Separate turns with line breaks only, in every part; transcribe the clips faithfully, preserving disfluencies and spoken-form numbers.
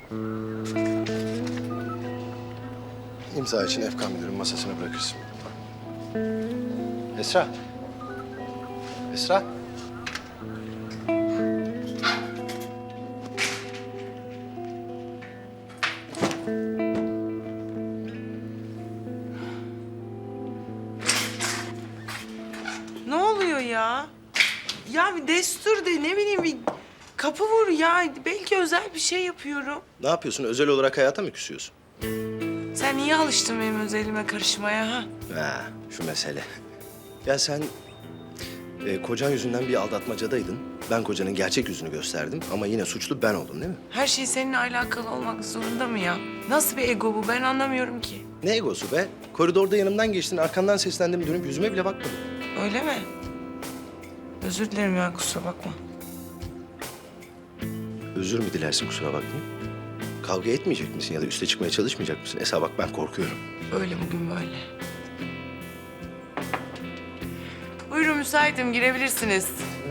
İmza için Efkan müdürün masasına bırakırsın. Esra. Esra.
Ne oluyor ya? Ya bir destur de ne bileyim bir kapı vur ya. Belki özel bir şey yapıyorum.
Ne yapıyorsun? Özel olarak hayata mı küsüyorsun?
Sen niye alıştın benim özelime karışmaya ha?
Ha, şu mesele. Ya sen e, kocan yüzünden bir aldatmacadaydın. Ben kocanın gerçek yüzünü gösterdim ama yine suçlu ben oldum değil mi?
Her şey seninle alakalı olmak zorunda mı ya? Nasıl bir ego bu? Ben anlamıyorum ki.
Ne egosu be? Koridorda yanımdan geçtin, arkandan seslendim, dönüp yüzüme bile bakmadın.
Öyle mi? Özür dilerim ya, kusura bakma.
Özür mü dilersin kusura bakmayın? Kavga etmeyecek misin ya da üste çıkmaya çalışmayacak mısın? Esra bak ben korkuyorum.
Öyle bugün böyle. Buyurun, müsaitim, girebilirsiniz.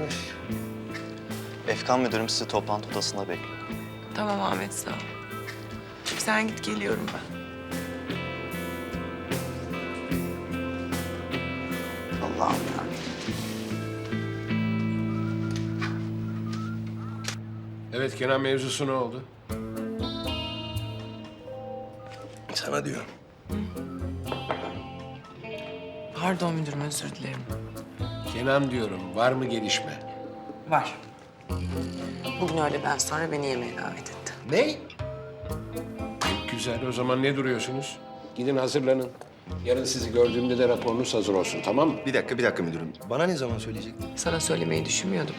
Efkan müdürüm sizi toplantı odasında bekliyor.
Tamam Ahmet, sağ ol. Sen git, geliyorum ben. Allah'ım ya.
Evet, Kenan mevzusu ne oldu?
Sana diyorum.
Pardon müdürüm, özür dilerim.
Kenan diyorum, var mı gelişme?
Var. Bugün öğleden sonra beni yemeğe davet etti.
Ne?
Çok güzel, o zaman ne duruyorsunuz? Gidin hazırlanın. Yarın sizi gördüğümde de raporunuz hazır olsun, tamam mı?
Bir dakika, bir dakika müdürüm. Bana ne zaman söyleyecektin?
Sana söylemeyi düşünmüyordum.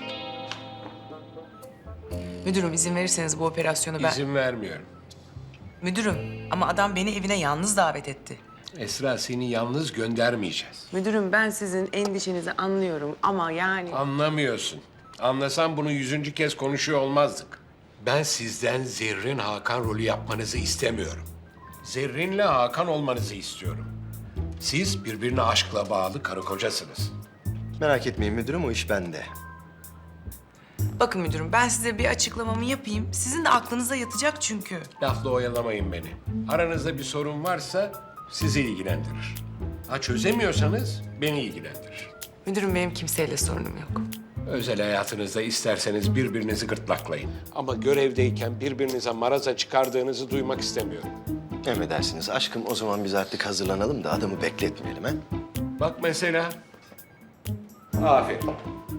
Müdürüm, izin verirseniz bu operasyonu ben...
İzin vermiyorum.
Müdürüm, ama adam beni evine yalnız davet etti.
Esra, seni yalnız göndermeyeceğiz.
Müdürüm, ben sizin endişenizi anlıyorum ama yani...
Anlamıyorsun. Anlasam bunu yüzüncü kez konuşuyor olmazdık. Ben sizden Zerrin Hakan rolü yapmanızı istemiyorum. Zerrin'le Hakan olmanızı istiyorum. Siz birbirine aşkla bağlı karı kocasınız.
Merak etmeyin müdürüm, o iş bende.
Bakın müdürüm, ben size bir açıklamamı yapayım. Sizin de aklınıza yatacak çünkü.
Lafla oyalamayın beni. Aranızda bir sorun varsa sizi ilgilendirir. Ha çözemiyorsanız beni ilgilendirir.
Müdürüm, benim kimseyle sorunum yok.
Özel hayatınızda isterseniz birbirinizi gırtlaklayın. Ama görevdeyken birbirinize maraza çıkardığınızı duymak istemiyorum.
Emredersiniz aşkım, o zaman biz artık hazırlanalım da adamı bekletmeyelim ha?
Bak mesela. Aferin.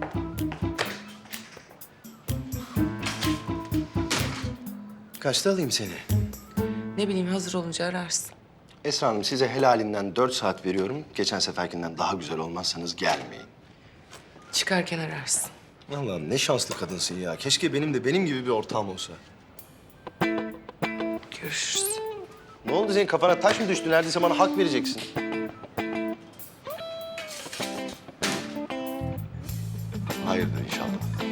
Kaçta alayım seni?
Ne bileyim, hazır olunca ararsın.
Esra Hanım, size helalinden dört saat veriyorum. Geçen seferkinden daha güzel olmazsanız gelmeyin.
Çıkarken ararsın.
Allah'ım ne şanslı kadınsın ya. Keşke benim de benim gibi bir ortağım olsa.
Görüşürüz.
Ne oldu, senin kafana taş mı düştü? Neredeyse bana hak vereceksin. Hayırdır inşallah.